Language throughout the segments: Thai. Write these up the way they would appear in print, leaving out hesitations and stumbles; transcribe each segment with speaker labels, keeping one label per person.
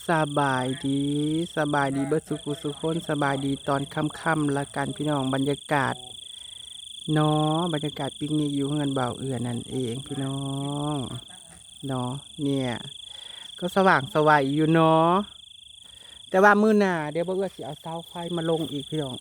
Speaker 1: สบายดีสบายดีเบิดสุขุสุขคนสบายดีตอนค่ำๆละกันพี่น้องบรรยากาศเนาะบรรยากาศปิกนิกอยู่เฮือนบ่าวเอือนั่นเองพี่น้องเนาะเนี่ยก็สว่างสวัยอยู่เนาะแต่ว่ามื้อหน้าเดี๋ยวบ่าวเอือสิเอาเสาไฟมาลงอีกพี่น้อง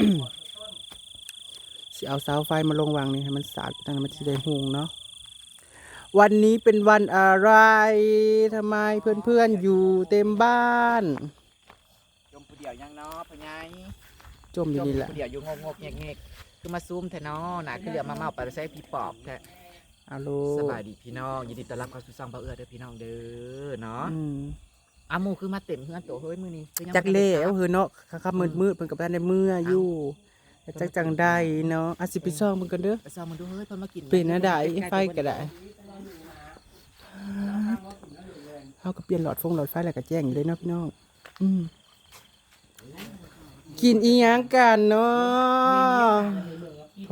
Speaker 1: สิเอาเสาไฟมาลงวางนี่ให้มันสาดตั้งมันสิได้หุงเนาะวันนี้เป็นวันอะไรทำไมเพื่อนๆอยู่เต็มบ้าน
Speaker 2: จมผู้เดียวยังเนาะพ่อใหญ่
Speaker 1: จมอยู่นี่แหละ
Speaker 2: ผู้เดียวอยู่งกๆแงกๆคือมาซูมแท้เนาะหนาคือเหลือมาเมาไปใช้พี่ปอบแท้
Speaker 1: อาโล
Speaker 2: สบายดีพี่น้องยินดีต้อนรับเข้าสู่ช่องเบาเอื้อเด้อพี่น้องเด้อเนาะ
Speaker 1: อืม
Speaker 2: อาหมูคือมาเต็มเฮือนโตเฮ้ยมื้อนี้คือยัง
Speaker 1: จักเล่เอาเฮือเนาะครับมืดๆเพิ่นกับบ้านในเมื่ออยู่จักจังได้เนาะอาสิไปซ่องเพิ่นกันเด้อ
Speaker 2: ไปซ่อมมันดูเฮ้ยเพิ่นมากิน
Speaker 1: เป็นนะได้ไฟก็ได้เฮาก็เปลี่ยนหลอดไฟแล้วก็แจ้งอยู่เลยเนาะพี่น้องอืมกินอีหยังกันเนาะโถ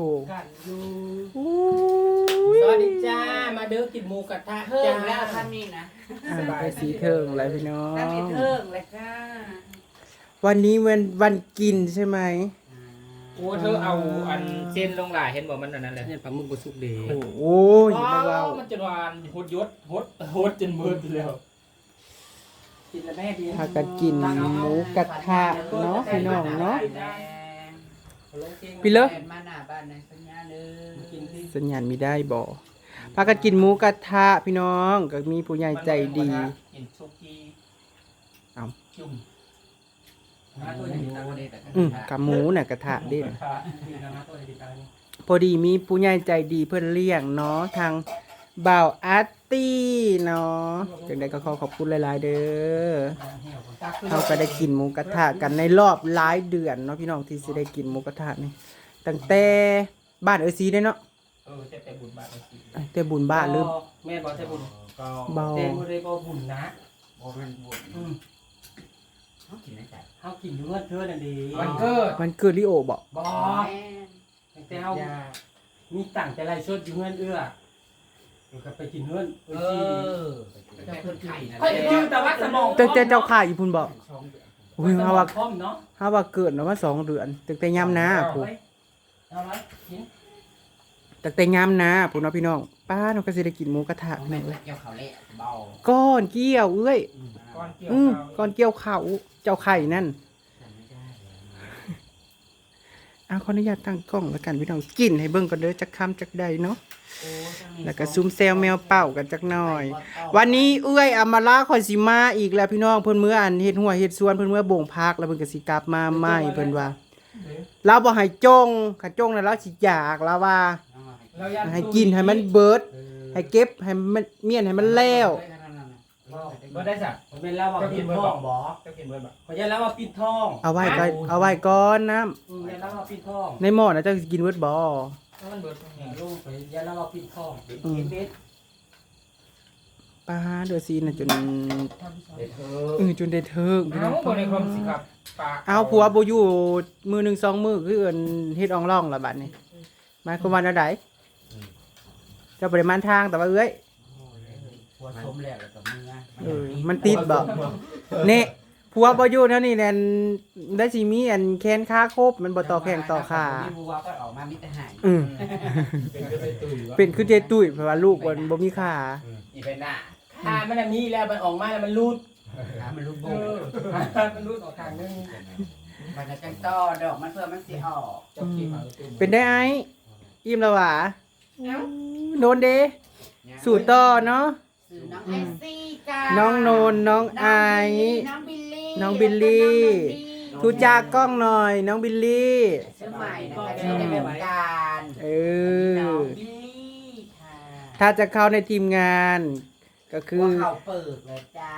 Speaker 3: สวัสดีจ้า มาเด้อกินหมูกระทะ
Speaker 4: เพิ่
Speaker 3: จ้าม
Speaker 4: แล้วท่านนี่นะ
Speaker 1: ไปสีเทิงอะไรพี่น้อง
Speaker 4: ท่านมีเพิ่มเลยจ้า
Speaker 1: วันนี้วันกินใช่ไหม
Speaker 3: โอ้เธอเอาอันเส้นลงหลายเห็นบอกมันอันนั้นแหละเนี่ยปลาหมึกบสุกเดย์
Speaker 1: โอ้ยมาเว้า
Speaker 3: มันจะวานหดยศหดจนมืดแล้วกินแล้วแม่ดี
Speaker 1: พากันกินหมูกระทะเนาะพี่น้องเนาะ พี่เลิศ
Speaker 4: มาหน้าบ้านในสัญญาเด้อ
Speaker 3: กินที่
Speaker 1: สัญญาณมีได้บ่พากันกินหมูกระทะพี่น้องก็มีผู้ใหญ่ใจดี
Speaker 3: กินซุกี้
Speaker 1: เอา
Speaker 3: จุ่ม
Speaker 1: กับหมูน่ะกระทะเด่น
Speaker 3: มีน้ำตัวดีกันนี่
Speaker 1: พอดีมีผู้ใหญ่ใจดีเพื่อนเลี้ยงเนาะทางบ่าวอาร์ตี้เนาะจังใดก็ขอบคุณหลายๆเด้อเราก็ได้กินหมูกระทะกันในรอบหลายเดือนเนาะพี่น้องที่สิได้กินหมูกระทะนี่ตั้งแต่บ้านเออซีได้เนาะ
Speaker 3: จะแต่บุญบาทสิ
Speaker 1: แต่บุญบ้านลืม
Speaker 3: แม่บอกแต่บุญ
Speaker 1: เบา
Speaker 3: แต่บุญเลยบอกบุญนะ
Speaker 2: บ่แม่นบ่
Speaker 4: เขากินได้จ้ะ
Speaker 3: เฮากินอยู่เงินเธอนั่นดีวันเกิด
Speaker 1: มันเกิดลิโอบอก
Speaker 3: บอ
Speaker 4: แม่
Speaker 3: แต่เฮามีตังแต่ไรชดอยู่เงินเอื้อมันก็ไปกินเงิน
Speaker 4: แต่เพิ่นไข่นะ
Speaker 3: เฮ้ยแต่ว่าสมอง
Speaker 1: แต่เจ้าข่าอีพุ่นบอกอุ้ย
Speaker 3: สม
Speaker 1: เฮา
Speaker 3: อง
Speaker 1: ว่า
Speaker 3: คอมเนาะ
Speaker 1: เฮาว่าเกิดเนาะว่า2 เดือนตั้งแต่ยามนาพุ่น
Speaker 3: เอาไว้กิน
Speaker 1: ตั้งแต่ยามนาพุ่นเนาะพี่น้องป้าเนาะก็สิได้กินหมูกระทะ
Speaker 4: แม่
Speaker 1: แม่
Speaker 4: เกี่ยวเขาเละเบา
Speaker 1: ก้อนเกี้ยวเอ้ย
Speaker 3: ก้อนเกี่ยว
Speaker 1: ก้อนเกี้ยวเขาเจ้าไข่นั่น
Speaker 4: ไม่ได้
Speaker 1: ขออนุญาตตั้งกล้องแล้วกันพี่น้องกินให้เบิ่งก่อนเด้อจักคำจักใดเนาะแล้วก็ซุ่มแซวแมวเป่ากันจักหน่อย วันนี้เอื้อยอำมาลาคอยสิมาอีกแล้วพี่น้องเพิ่นมื้ออันเฮ็ดหัวเฮ็ดสวนเพิ่นมื้อบ่งพักแล้วเพิ่นก็สิกลับมาใหม่เพิ่นว่าเราบ่ให้จงถ้าจงแล้วเราสิอยากแล้วว่าให้กินให้มันเบิดให้เก็บให้มันเมียนให้มันแล้ว
Speaker 3: บ่ได้จ้ะมันเป็นแล้วว่าปิดท้องบ่ก็กินเบิดบ่ขอยันแล้วว่าปิดท้อง
Speaker 1: เอาไว้ก่อนน้ำ
Speaker 3: ยันแล้วว่าปิดท้อง
Speaker 1: ในหม้อน่ะเจ้าสิกินเบิดบ่
Speaker 3: มันเบิดลูกไปยันแล้วว่าปิดท้องกินเบ็ด
Speaker 1: ป้าเดือซีน่ะจน จนได้เทิงพี่น้อง
Speaker 3: บ่ได้ความสิครับปาก
Speaker 1: เอาผัวบ่อยู่มือหนึ่งสองมือคือเอิ้นเฮ็ดอ่องร่องละบัดนี้หมายความว่าแนวใดเจ้าบ่ได้มันทางแต่ว่าเอ้ย
Speaker 4: หัวชมแล้วกับมือ
Speaker 1: มันติดบ่เน่ผัวบ่อยู่เท่านี้แน่นได้สิมีอันแขนขาครบมันบ่ต่อแข้งต่อขา
Speaker 4: พี่บัวก็ออกมามิตรหาย
Speaker 1: อือ
Speaker 3: เป็นก็ไปตุยวะ
Speaker 1: เป็นคือเจตุ้ยเพราะว่าลูกบ่มีขา
Speaker 4: อีเป็นหน้า
Speaker 3: มันมีแล้วมันออกมาแล้วมันรูด
Speaker 4: มันรูดโบ
Speaker 3: มันรูดออกทางนึง
Speaker 4: มันจะจังต้อดอกมันเพื่อมันสิออก
Speaker 1: เป็นได้ไอ้อิ่มแล้วหวะโดนเด้สู่ต่อเนาะ
Speaker 4: สื่อน้องไอซี่จ้า
Speaker 1: น้องโนนน้องไอ
Speaker 4: น้องบิลลี่
Speaker 1: น้องบิลลี่ทูจากกล้องหน่อยน้องบิลลี่
Speaker 4: ชื่อใหม่นะคะชื่อในวงการ
Speaker 1: เอ
Speaker 4: น้อ
Speaker 1: อ
Speaker 4: งบิลลี่ค่ะ
Speaker 1: ถ้าจะเข้าในทีมงานก็คื
Speaker 4: หั
Speaker 1: อ
Speaker 4: วเข่าเปิกเลยจ้า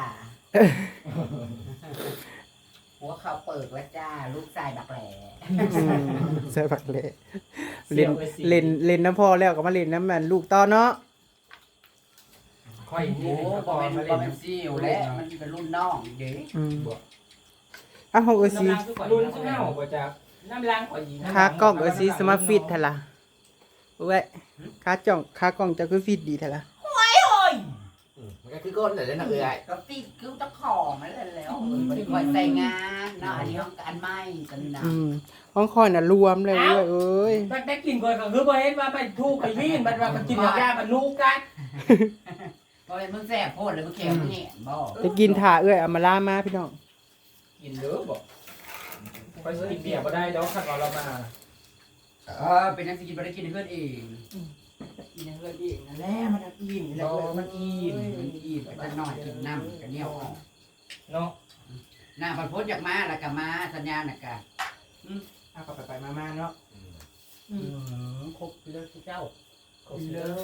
Speaker 4: หัวเข่าเปิกแล้วจ้า ลูกชายบักแหล่
Speaker 1: ใช่ผักเละเล่นน้ำพอแล้วก็มาเล่นน้ำมันลูกต่อเนาะ
Speaker 3: ค่อย
Speaker 4: โอ้บอเป็นบอเป็นซิวและมันเป็นรุ่นน้องเด้
Speaker 1: อ้าวของเออซี
Speaker 3: รุ่นขึ้นหน้าออกมาจากน้ำล้างข่อยยิง
Speaker 1: ขากล้องเออซีสมาร์ทฟิตเถอะล่ะเว้ยขากล้องจะคือฟิตดีเถอะล่ะ
Speaker 2: มันก็คือก้นแต่ละเอื้อย
Speaker 4: ก็ติดคือเจ้าของนั่นแหละแล้วบริกรใส่งานเนาะอันนี้ของการไม่กันนะ
Speaker 1: ห้องคอยน่ะรวมเลยเอ้ย
Speaker 3: มันได้กินก่อนก็คือบ่เห็นว่ามันถูกไปวิ่งมันว่ามันกินยามันลูกกัน
Speaker 4: เพราะมึงแซ่บโพดเลยมึงแข็งแห้งบ่
Speaker 1: จะกินถ่าเอ้ยเอามาล่ามาพี่น้อง
Speaker 3: กินเด้อบ่ไปกินเบียร์บ่ได้ดอกถ้าเรามา
Speaker 4: เป็นนักกินบริกินเพื่อนเอง
Speaker 1: กินเอ้ยอีกนั่นแหละมันอิ่มแล้ว
Speaker 4: มันอิ่มไปนอนกินน้ำกันเหนียวออก
Speaker 3: เนาะ
Speaker 4: น้ำพันพดอยากมาแล้วก็มาสัญญาณน่ะกะ
Speaker 1: เอาก็ไปมาเนาะ
Speaker 3: ครบเลิกเจ้าครบ
Speaker 1: กิน
Speaker 3: เลิ
Speaker 1: เด้
Speaker 3: ก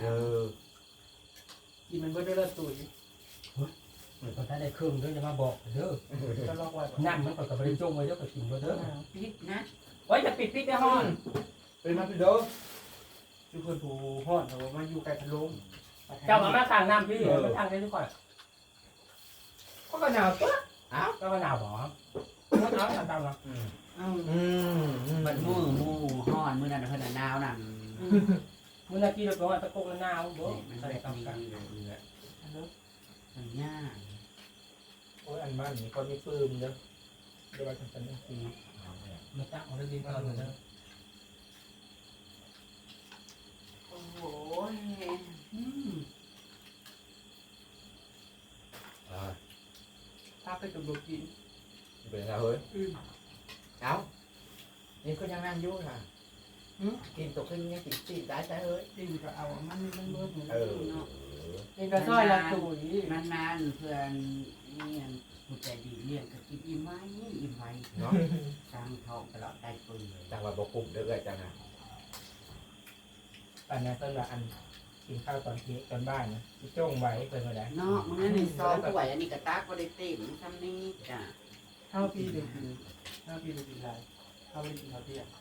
Speaker 1: กินมันเบิดได้ละตุ๋ย
Speaker 3: เหมือนคนถ้าได้เครื่องเด้อจะมาบอกเด้อ
Speaker 1: ก็ลอกไว้
Speaker 3: น้ำมันก็บ่ได้จงไว้เด้อก็กินบ่เด้อ
Speaker 4: พิษนะ
Speaker 3: ไว้จะปิดในห้อง
Speaker 1: เป็นมาพี่เด้อทุกคนผู้ฮอดเขามาอยู่ไกลพัดลม
Speaker 3: เจ้ามาทางน้ำพี่มันทางได้ทุกคนก็หนาวตัวอ้าวก็หนาวบ่มันเอาตามๆเนาะ
Speaker 4: มันมือห่อนมือนั่นเพิ่นหนาวนั่น
Speaker 3: มื้อนาทีเราบอกว่าตะโกนหนาวบ่
Speaker 4: มัน
Speaker 3: ใส่
Speaker 4: แบบ
Speaker 3: กับ
Speaker 4: นี้
Speaker 3: กัน
Speaker 4: เลยมันยาก
Speaker 3: โอ้ยอันบ้านนี่ก็มีปืนเด้อเดี๋ยวว่าจังซั่นนะมาตั้งเอาได้ดีก่อนเด้อ
Speaker 4: โอ้โห
Speaker 1: ถ้าไปกับโลกิน
Speaker 2: เป็นไงเฮ้ยเอ้านี่ก็ยังนั่งอยู่ค่ะกินตกขึ้นยังกินตีได้ใช่เฮ้ย
Speaker 1: กินก็เอามันเบิด
Speaker 2: เออ
Speaker 1: กินก็ซอยละตุ๋ย
Speaker 4: นานๆเพื่อนเนี่ยผู้ใจดีเลี้ยงก็กินอิ่มไหมอิ่มไหม
Speaker 2: เนาะ
Speaker 4: สร้างทองตลอดได้ปืนเลย
Speaker 2: จังหวัดบ่กลุ่มเด้อจังนะ
Speaker 3: อันนั้นต้นละอันกินข้าวตอนเที่ยงตอนบ่ายนะที่จ้งไว้เพิ่นว่าได้
Speaker 4: เนาะมันนี่ซองป่วยอันนี้กระตากก็ได้เต็มทำนี่จ้ะ
Speaker 1: ข้าวปีเด็กกินข้าวปีเด็กกินอะไรข้าวไม่ได้กินข้าวเที่ยง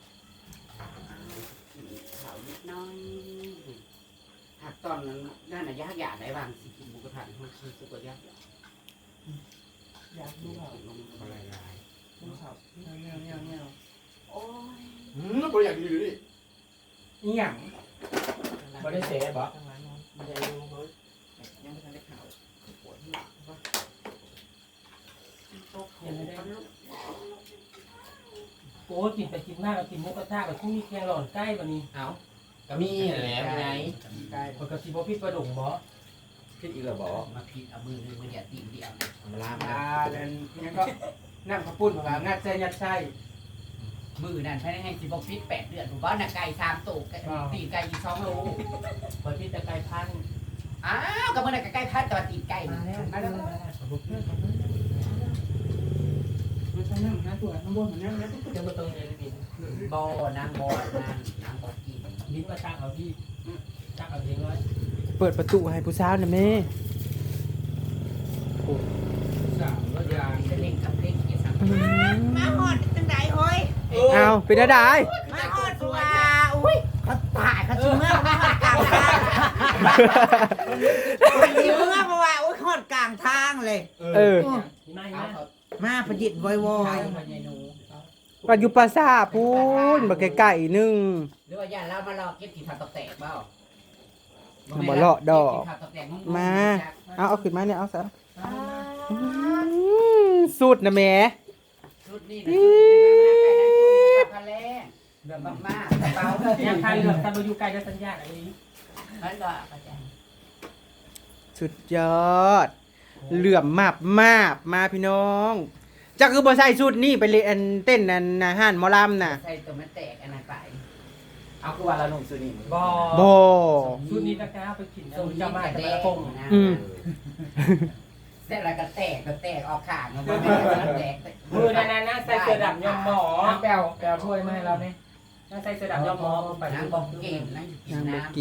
Speaker 4: เขานิดน้อยหากตอนนั้นนั่นน่ะยากอยากได้บางสิกินหมูกระทะมันคือสุกยาก
Speaker 1: อยากดูข้าว
Speaker 4: ลงอะไรหลาย
Speaker 1: ดูข้าวเงี้ยว
Speaker 4: โอ้ย
Speaker 2: บ่อยากอยู่ดิ
Speaker 1: อีหยัง
Speaker 3: บ่ได้เสียบ่
Speaker 1: ทางร้านนอนมันจะดูเฮ้ย
Speaker 4: ยังไม่ทันได้ข่าวปวดหัวว่าโต๊ะเขาลูก
Speaker 3: โอ้กินไปกินมากก็กินหมูกระทะก็ชุ่มมีแกงหล่อนใกล้บัดนี้
Speaker 2: เอ้าก็มีแหละไง
Speaker 1: ใกล้
Speaker 3: คนก็สิบ่พิษประดงบ่
Speaker 2: คิดอีกแล้วบ่
Speaker 4: มาผิดเอามือนึงมาเดียวตีเดียว
Speaker 2: มาลา
Speaker 1: อ่าแล้วนี่ก็นั่งข้าวปุ้นของเรางัดใส่ยัดใส่
Speaker 4: มือนั่นภายในสิบฟิต8 เดือนผมว่าน่ะไก่3ตัวตีไก่อีก2 โล
Speaker 3: บ่พิษแต่ไก่พัน
Speaker 4: อ้าวกับมือนั่นไก่พัดตัวตีไก่
Speaker 3: มาแล้วมาแล้ว
Speaker 1: มันใส่น้ำนะตัวน้ำบนมันน้ำนะ
Speaker 3: จะบ่ต้องเรียนดิน
Speaker 4: บ่นางบ่นางบ่กิน
Speaker 3: ดินมาตั้งเอาที่ตั้งเอาเองไว้
Speaker 1: เปิดประตูให้ผู้สาวนะแม่
Speaker 3: สามว่ายาง
Speaker 4: จะเล่นกับเล่นกี่สังมาหอดจังไดเฮ้ย
Speaker 1: เอาเป็นอะไร
Speaker 4: มาหอดตัวอุ้ยเขาตายเขาชิเมื่อมาหอดกลางทางชิเมื่อเพราะว่าอุ้ยหอดกลางทางเลย
Speaker 1: เออ
Speaker 3: นี่ไม่นะ
Speaker 4: มาประดิษฐ์วอย
Speaker 1: ปัจจุบันซาพูนบักไก่ๆนึง
Speaker 4: หรือว่าย่าเรามาหลอกเก็บกี่ผักตกแตกเปล่า
Speaker 1: บ่เลาะดอก
Speaker 4: เบผัตกแตกงงๆ
Speaker 1: มา เอาขึ้นมาเนี่ยเอาซะสุดนะแม่
Speaker 4: ชุดนี่นะชุดนี่มาใกล้นั่นคือพันแรก
Speaker 3: เรื่อง
Speaker 4: บั
Speaker 3: บ้าก
Speaker 4: มากเบา
Speaker 3: ยังใครเรื่องถ้าบ่อยู่ไกลจะสัญญาณอะไรนี้
Speaker 4: นั่นก็อาจารย์
Speaker 1: สุดยอด เหลื่อมมาบมาพี่น้องจักคือบ่ใส่สุดนี่ไปเล่นเต้นนั่นอาหารหมอลำน่ะ
Speaker 4: ใส่ตัวมันแตกอันนั้นไป
Speaker 2: เอาคือว่าเราหนุ่มสุนี
Speaker 3: บ่
Speaker 1: บ่
Speaker 3: ชุดนี้ตะกร้าไปกิน
Speaker 4: ตรง
Speaker 3: จะ
Speaker 4: นี้
Speaker 3: มา
Speaker 4: แต่
Speaker 3: แต่
Speaker 4: แด
Speaker 3: ละ
Speaker 4: ง
Speaker 3: ปง
Speaker 4: นะ
Speaker 1: อืม
Speaker 4: เสร็จแล้วก็แตกออกข้างมันไม่แตก
Speaker 3: มือนั่นนะใส่เสื้อดำยอมหมอแปลวถ้วยมาให้เราเนี่ยน่าใส่เสื้อดำยอมหมอไป
Speaker 4: นางบอกกินนางกินน้ำ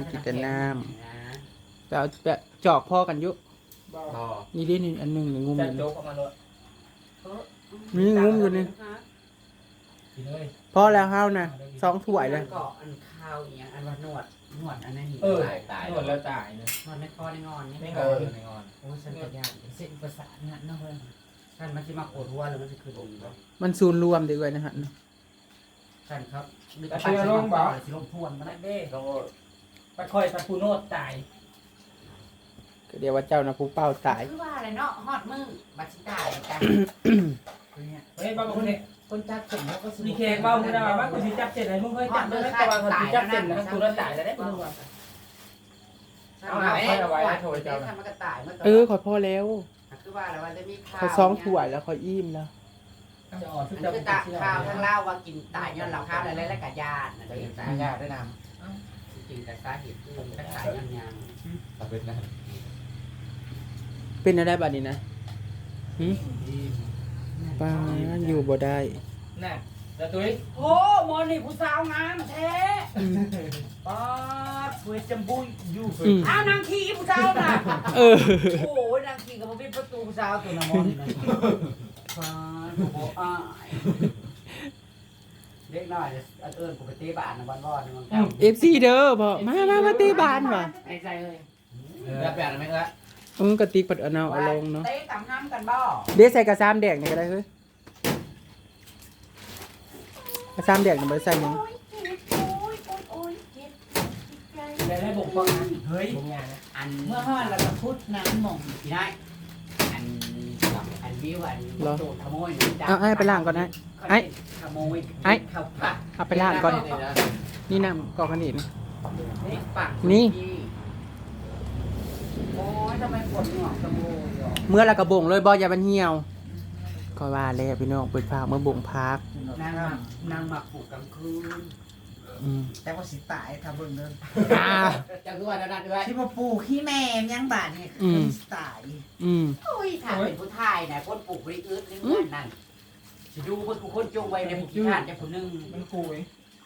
Speaker 1: แต่เอาแต่จอกพ่อกันอยุ
Speaker 2: บ่
Speaker 1: นี่ดินี่อันหนึงนี่งุมอ
Speaker 3: จะ
Speaker 1: ยู่
Speaker 3: โจ
Speaker 1: นี่
Speaker 3: กออกมาเลย
Speaker 1: นี่งุมอยู่นี่
Speaker 3: กินเลย
Speaker 1: พอแล้วเฮานะ2ถ้วยเลย
Speaker 4: ก็อันข้าวอย่างอันว่านวดอันนั้น
Speaker 3: เออ
Speaker 2: ตาย
Speaker 3: นวดแล้วตายนะ
Speaker 4: นวดในคอในงอนนี่
Speaker 3: ไม่
Speaker 4: ไม่
Speaker 3: ง
Speaker 4: ง
Speaker 3: อ
Speaker 4: อน
Speaker 3: ไม่งอน
Speaker 4: โอ้ฉันจะยากเส้นประสาทเนี่ยนะเพื่อนท่านมันจะมาปวดหัวหรือมันจะขึ้นดีบ่
Speaker 1: มันศูนย์รวมดีกว่านะฮะ
Speaker 4: ท่านครับสิลงทวนมา
Speaker 3: มา
Speaker 4: ได้
Speaker 3: เด้
Speaker 2: ต้อง
Speaker 3: ไปคอยไปปูโนดตาย
Speaker 1: ก็เดี๋ยวว่าเจ้านะผู้เป้าตาย
Speaker 4: คือว่าอะไรเนาะฮอดมือบัดสิตายกันเนี่ย
Speaker 3: เฮ้ยบ้าคนนี้
Speaker 4: คนจับเสร็จแล้วก็
Speaker 3: มีแขกเบาคุณว่ากูสิจับเสร็จไหนมึงเคยจับเลยแต่ว่าเขาสิจับเสร็จนะกูรักตายแล้วได้มึงว่า
Speaker 4: เอาไว้โทรเจ้าทำมันก็ตายเมื่อ
Speaker 1: ขอพ่อแล้ว
Speaker 4: คือว่าอะไรว่าจะมีข่าว
Speaker 1: ขอซ้องถ้วยแล้วขออิ่มแล้ว
Speaker 3: จะอ่อนทุก
Speaker 4: มัน
Speaker 3: จะ
Speaker 4: คือตาข่าวทั้งเล่าว่ากินตายย้อนเราข้าวอะไรแล้วกับญาตินะ
Speaker 2: ได้
Speaker 4: เด็ก
Speaker 2: ตา
Speaker 4: ตาย
Speaker 2: ญาติได้น
Speaker 4: จริงแต่สาเหตุคือมันตายย้อนยัง
Speaker 2: ำตาเป็นนั่น
Speaker 1: เป็นอะไรบัดนี้นะป้าอยู่บ่ได้
Speaker 3: น่ะแล้วตุ้ย
Speaker 4: โอ้โมนี่ผู้สาวงามแท้ป๊าดเวจมบุยอยู่อ้าวนางขี่ผู้สาวน่ะโอ้ยนางขี่กับพี่ประตูผู้สาวตัวน้ำมันนะป๊าดโอ้อ้ายเล็กน้อยเอิญกูไปตีบ้านนะบ้านบ่อนมัน
Speaker 1: FC เด้อพ่อมาตีบ้านว่ะ
Speaker 3: ในใจเลย
Speaker 2: แล้วแปลกไหมครับ
Speaker 1: กระติกปัดเอาลงเนาะ
Speaker 4: เตะตำห้ำกันบ่
Speaker 1: เดี๋ยวใส่กระซามแดงนี่ก็ได้เฮ้ยกระซามแดงนี่บ่ได้ใส่หยัง
Speaker 3: ได้บ่งฟังนะเฮ้ยบ่งงานนะ
Speaker 4: อันเมื่อห้าเราจะพูดน้ำมองที่ได้อันวิวอันโดดขโมย
Speaker 1: เอาให้ไปล้างก่อนนะไอ้
Speaker 4: ขโมย
Speaker 1: ไอ้
Speaker 4: เข้าป่า
Speaker 1: เอาไปล้างก่อนนี่น้ำกอกขนิน
Speaker 4: นี่ปาก
Speaker 1: นี่
Speaker 4: โอ้ยทำไมปวดหัวขโมยอ่ะ
Speaker 1: เมื่อละกระบงเลยบ่อย่ามันเหี่ยวก็ว่าแล้วพี่น้องเปิดฝากเมื่อบ่งพัก
Speaker 4: นางหมักปลูกกลางคืน
Speaker 5: แต่ว่าสิตายถ้าเบิ่งเด้อ
Speaker 2: จะคือว่านั่นด้วย
Speaker 5: ที่มาปลูกขี้แม่มยังบาดนี่สิตาย
Speaker 4: โอ้ยถ้าเป็นผู้ชายนะคนปลูกบริอึดเรื่องนั่นสิดูเพิ่นกูคนจงไว้ในผู้ขี้ข้านจะผู้นึง
Speaker 3: มันกูเอง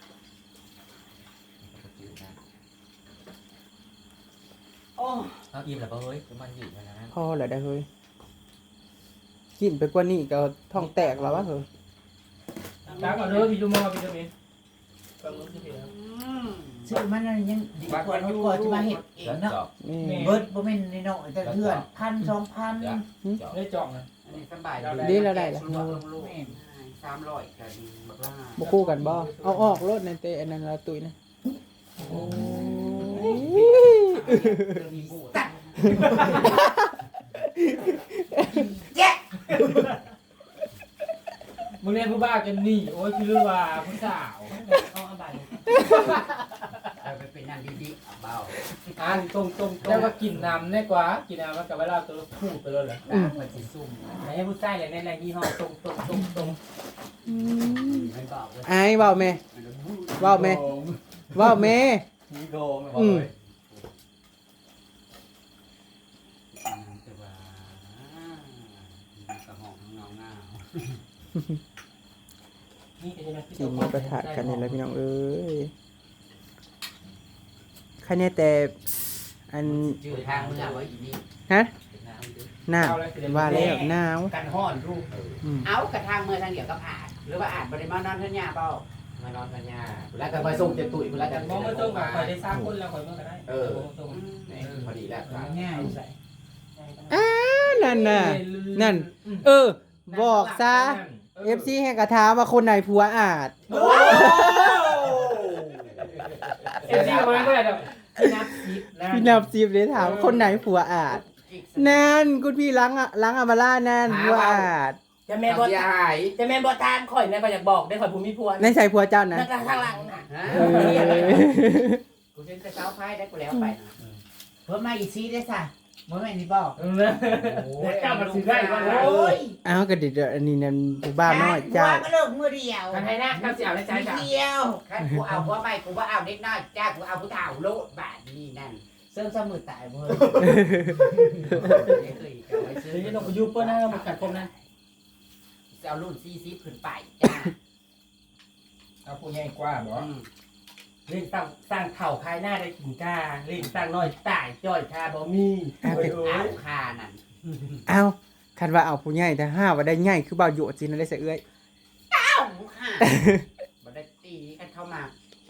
Speaker 4: โอ้
Speaker 2: เอาอิ่มแล้วเฮ้ยมันอยู่มันนะ
Speaker 1: พ่อแหละได้เฮ้ยกินไปกว่านี้ก็ท้องแตกแล้ววะเฮ้ย
Speaker 3: ตาก่อนเด้อพี่ดูมอพี่ดูมีก็รู้สึกแล้ว
Speaker 5: ชื่อมันยังดีกว่าเขาก็จะมาเฮ็ดเองเนาะ
Speaker 1: นี่
Speaker 5: เบิดบ่แม่นน้อยๆแต่เพื่อน1,000 2,000
Speaker 3: ได้จองนะ
Speaker 4: อันนี้สบาย
Speaker 1: ดีแล้วได้แล้ว
Speaker 5: แม่น
Speaker 4: 300กันบักล่า
Speaker 1: บ่คู่กันบ่เอาออกรถในเตอันนั้นละตุยนะโอ้ย
Speaker 4: มีบูด
Speaker 3: มึงเรียนผู้บ้ากันนี่โอ้ยคือว่าผู้สาวเอาอะไร
Speaker 4: ไปเป็นนั่นดีๆเบา
Speaker 3: อ่านตรงแล้วก็กินน้ำได้กว่ากินน้ำมันกับเวลาตัวพูดไปเลยเหรอ
Speaker 4: มันสิซุ่ม
Speaker 3: ให้ผู้ชายเลยในยี่ห้อตรง
Speaker 4: มันบอกเลย
Speaker 1: ไอ้เว้าแม่เว้าแม่เว้าแม่
Speaker 2: มีโกงบอกเลย
Speaker 4: แต่ว่ากระหองเงา
Speaker 3: นี่จะ
Speaker 1: กินหมูกระทะกันนี่แหละพี่น้องเอ้ยใครเนี่ยแต่อัน
Speaker 4: ชื่อทางมึงเอาไว้อีนี่
Speaker 1: ฮะหนาวว่าแล้วหนาว
Speaker 4: กันห่อนรูป
Speaker 1: อืม
Speaker 4: เอากระทางเมื่อทางเดียวกับอาดหรือว่าอาดบริมานอนท่านยาเปล่าม
Speaker 2: านอนกันยาแล้วก็ไปส่งเจ็บตุ๋ยแล้วกัน
Speaker 3: มองมาตรงกับคอยได้สร้างคนแล้วคอยเมื่อก็ได้
Speaker 2: พอดีแล้ว
Speaker 5: ง่าย
Speaker 3: ใส่
Speaker 1: นั่นน่ะนั่น บอกซะ FC แห่งกระทาว่าคนไหนผัวอาจ
Speaker 3: FC ประมาณเท่าไหร่นับ10
Speaker 1: พี่นับ10เลยถามคนไหนผัวอาจนั่นคุณพี่ล้างอามาล่านั่นผัวอาจ
Speaker 3: จะแม่บอทานจะแม่บอทานข่อยแม่ก็อยากบอกได้ข่อยภูมิพวน
Speaker 1: ในใส่ผัวเจ้านะ
Speaker 3: นักข้างหลังน่ะ
Speaker 4: กูเห็นแต่เช้าไพ่ได้กูแล้วไปนะ
Speaker 5: เพิ่มมาอีกซีได้ซะบ่แม่นนี่บอก
Speaker 3: เจ้ามันซื้อได้ก็
Speaker 5: โอ้ย
Speaker 1: อ้าวก็เดี๋ยวอันนี้นั่นผู้บ้าน้อยเจ้า
Speaker 5: ก็เลิกมื้อเดียว
Speaker 3: มันให้หน้าข้าวเสียวในใจ
Speaker 5: มื้อ
Speaker 3: จ้ะ
Speaker 5: เดียว
Speaker 4: คันกูเอาผัวไปกูว่าเอาเด็กน้อยจ้ากูเอาผู้เฒ่าโลดบาทนี่นั่น
Speaker 5: เสริมมือตายบ่
Speaker 4: ไม่เคยเอาไว้ซื้อ
Speaker 3: เดี๋ยวต้องไปยูเปิ้ลนะมันกัดคมนะ
Speaker 4: จะเอารุ่น40ขึ้นไปจ้า
Speaker 3: เอาผู้ใหญ่กว่าบ่เล่นสร้างเข่าคายหน้าได้กินกาเล่นสร้างน้อยตายจ้อยคาบ่มี
Speaker 4: เอาคานั่น
Speaker 1: อ้าวคันว่าเอาผู้ใหญ่แต่ห้าว่าได้ใหญ่คือบ่าวโยดสินั่นได้เสยเอ้ย
Speaker 4: เอาค่ะบ่ได้ตีกันเข้ามา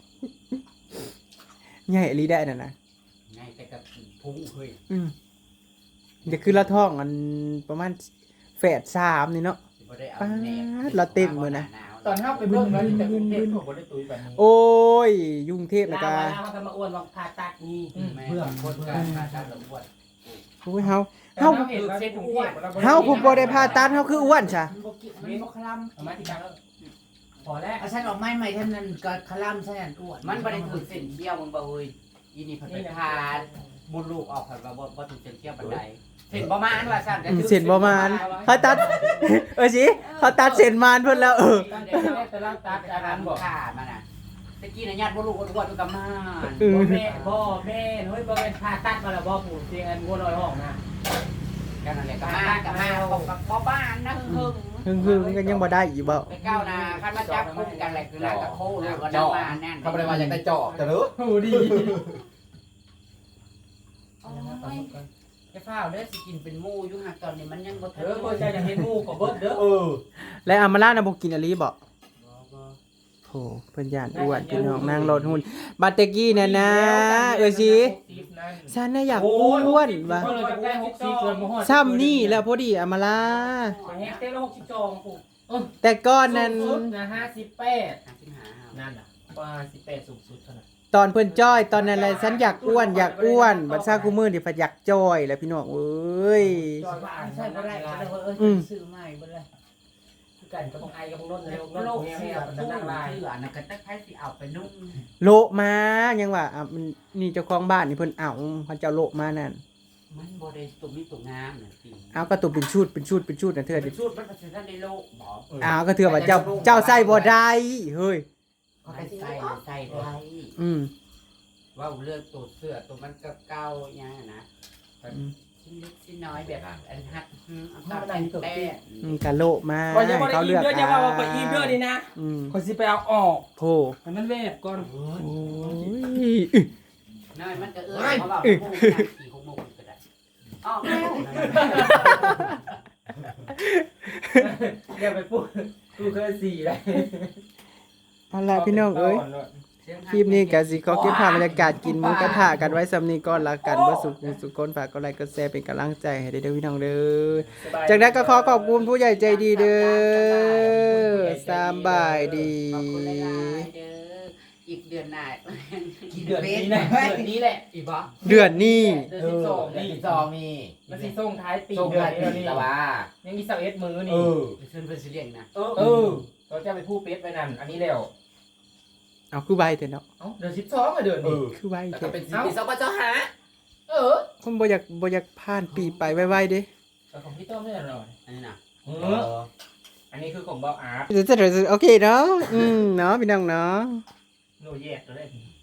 Speaker 1: ใหญ่อีหลีได้นั่นน่ะ
Speaker 4: ไงแต่กับพุงเฮ้ย
Speaker 1: เดี๋ยวคือละท้องอันประมาณแฝด3นี่เนาะ
Speaker 4: บ่ได้เอา
Speaker 1: ป๊า
Speaker 4: แนว
Speaker 1: ดเราเต้นมื้อนะ
Speaker 3: ตอนเฮาไปเบิ่งแล้วจะเป็นเทพบ่ได้ตุ้ยแบบนี้
Speaker 1: โอ้ยยุ่งเทพแล้ว
Speaker 3: ลา
Speaker 1: ก็
Speaker 3: วเฮาก็มาอ้วนว่าผ่าตัดนี่
Speaker 4: เพื่อนคนการการระบวด
Speaker 1: โอ้ยเฮา
Speaker 3: เฮาเห็นว่าเส้นอ้วน
Speaker 1: เฮาผู้บ่ได้ผ่าตัดเฮาคืออ้วนซะ
Speaker 5: มันบ่กินมันบ่คลำ
Speaker 3: เอามาที่กลางแล้วพอแล้ว
Speaker 5: เอาฉันออกไม้ใหม่ท่านนั้นก็คลำฉันนั่นอ้วน
Speaker 4: มันบ่ได้ถูกเส้นเขี้ยวมึงบ่เฮ้ยอีนี่เพิ่นไปพาบุญลูกออกเพิ่นว่าบ่ถูกเส้นเขี้ยวปานใดเส้นบ่มานว่าซั่นแต่ถูก
Speaker 1: เส้นบ่มานเขาตัดสิเขาตัดเส้นมานเพิ่นแล้ว
Speaker 3: ตั้งแต่แรกแต่ละตัดอาหารบอก
Speaker 4: ขามันน่ะตะกี้น่ะญาติบ่ลูกอ้วนๆกับมาน
Speaker 3: บ่แม่เฮ้ยบ่เป็นผ่าตัดมาแล้วบ่ปู่เตียงอันงัวน้อยห้องนะ
Speaker 4: กันนั่นแหละกับมากับพ่อบ้านนะหึง
Speaker 1: หึงๆก็ยังบ่ได้อีกบ่
Speaker 4: ไปก้าวนาคันมาจับกุมกันแหละคือลากตะโคหรือว่าน้ำมาแน่น
Speaker 2: เขาบ่ได้ว่าอยากได้จอกแต่เด้อ
Speaker 3: โอ้ดี
Speaker 4: จะฟ้าวเด้อสิกินเป็นหมูอยู่หักตอนนี้มันยังบ่
Speaker 3: เออบ่ใจจะเห็นหมู่ก็เบิดเด้อ
Speaker 1: และอามาล่าน่ะบ่กินอลีบ่โธ่เพิ่นย่านอ้วนพี่น้องนางรถหุ่นบัดตะกี้น่ะนะสิฉันน่ะอยากอ้วนว่ะ
Speaker 3: ก็เลยจะได้60เกินบ่ฮอด
Speaker 1: ซ้ำนี่แล้วพอดีอามาล่า
Speaker 3: แฮกเต้ละ62ปู่
Speaker 1: แต่ก่อนนั้น
Speaker 3: สูงสุดนะ58
Speaker 4: 55
Speaker 3: นั่นน่ะว่า18สูงสุดเท่านั้น
Speaker 1: ตอนเพิ่นจ้อยตอนนั้นแหละฉันอยากอ้วนบัดซากูมื้อนี่เพิ่นอยากจ้อยแล้วพี่น้องเอ้ย
Speaker 3: จอยว่าอ่าน
Speaker 5: ใช่
Speaker 3: ใช่
Speaker 5: บ่
Speaker 3: บ่
Speaker 5: ได้
Speaker 3: ได้
Speaker 5: ก็เลยว่าซื้อใหม่บ่เลย
Speaker 3: คือกันก็ต้องไอกับพวกนนท์เลย
Speaker 4: โลก
Speaker 3: เงี้
Speaker 4: เสือย
Speaker 3: มัน
Speaker 4: ตู้
Speaker 3: นั่งลาย
Speaker 4: เสือน่ะก็ตักไผสิเอาไปนุ่ง
Speaker 1: โละมายังว่าอ่ะมันนี่เจ้าของบ้านนี่เพิ่นเอาเขาเจ้าโละมานั่น
Speaker 4: มันบ่ได้ตุ่มนี่ตุ่มงามน่ะสิ
Speaker 1: เอาก็ตัวเป็นชุดน่ะเทื่อ
Speaker 4: เป็
Speaker 1: ดิ
Speaker 4: นสูตรมันก็สิทันได้โลกบ่
Speaker 1: เอาก็เทื่อว่าเจ้าใส่บ่ได้เฮ้ย
Speaker 4: เขาไปใส่ได้
Speaker 1: อืม
Speaker 4: ว่าเรื่องตัวเสือตัวมันเก่าๆอย่างนั้นนะชิ้นเล็กชิ้นน้อยแบบอันหัดเอาตามแต่
Speaker 1: กะโละมา
Speaker 3: ว่าจะบ่ได้
Speaker 1: เขา
Speaker 3: อิ่
Speaker 1: เลื
Speaker 3: ม
Speaker 1: อก
Speaker 3: เด้อจะว่าบ่อิ่มเด้อนี่นะ
Speaker 1: อืม
Speaker 3: คนสิไปเอาออก
Speaker 1: โธ่
Speaker 3: ให้มันเวฟก่อน
Speaker 1: โอ้ย
Speaker 4: น้อยมันก็เขาบอกโมงขี่6 โมงก็ได้อ๋อแล้ว
Speaker 3: อย่าไปพูดกูเคย4เลย
Speaker 1: เอาล่ะพี่น้องเอ้ยคลิปนี้ก็สิขอเก็บภาพบรรยากาศกินหมูกระทะกันไว้สำนี้ก่อนละกันบ่สุขคนฝากกดไลค์กดแชร์เป็นกำลังใจให้เด้อพี่น้องเด้อ จากนั้นก็ขอบคุณผู้ใหญ่ใจดีเด้อสบายดี
Speaker 4: ขอบคุณหลายๆเด้ออีกเดือนหน้า
Speaker 3: เดือนนี้นะเดือนนี้แหละ
Speaker 4: อีกบ่
Speaker 1: เดือนนี้
Speaker 3: เดือน12นี่
Speaker 2: 12นี่
Speaker 3: มันสิส่งท้ายปี
Speaker 2: ส่ง
Speaker 3: เดือน
Speaker 2: ท้าย
Speaker 3: นี้
Speaker 2: ปี
Speaker 3: นี่
Speaker 2: แต่ว่า
Speaker 3: ยังมี21มื้อ
Speaker 2: เอ
Speaker 3: นี่
Speaker 2: อ
Speaker 4: เชิญเพิ่นสิเลี้ยงนะ
Speaker 3: เออเราจะไปพูดเป็ดไปนั่นอันนี้แล้ว
Speaker 1: เอาคือใบเถอะเนาะ
Speaker 3: เอ้าเดือน12อ่ะเดือน
Speaker 2: เอ
Speaker 3: นี้
Speaker 2: อ
Speaker 1: คือใบ
Speaker 2: แล้ว
Speaker 1: เถ
Speaker 2: ก็
Speaker 1: อะ
Speaker 2: เป็นปี2565
Speaker 3: เออ
Speaker 1: ผมบ่อยากผ่านปีไปไวๆเด้
Speaker 3: แต่ของพี่ต้อมไม่อร่อย
Speaker 4: อันนี้น่ะ
Speaker 3: เอออันนี้คือของเบาอาร์ต
Speaker 1: โอเคเนาะเนาะพี่น้องเนาะ
Speaker 3: โนแยกเลย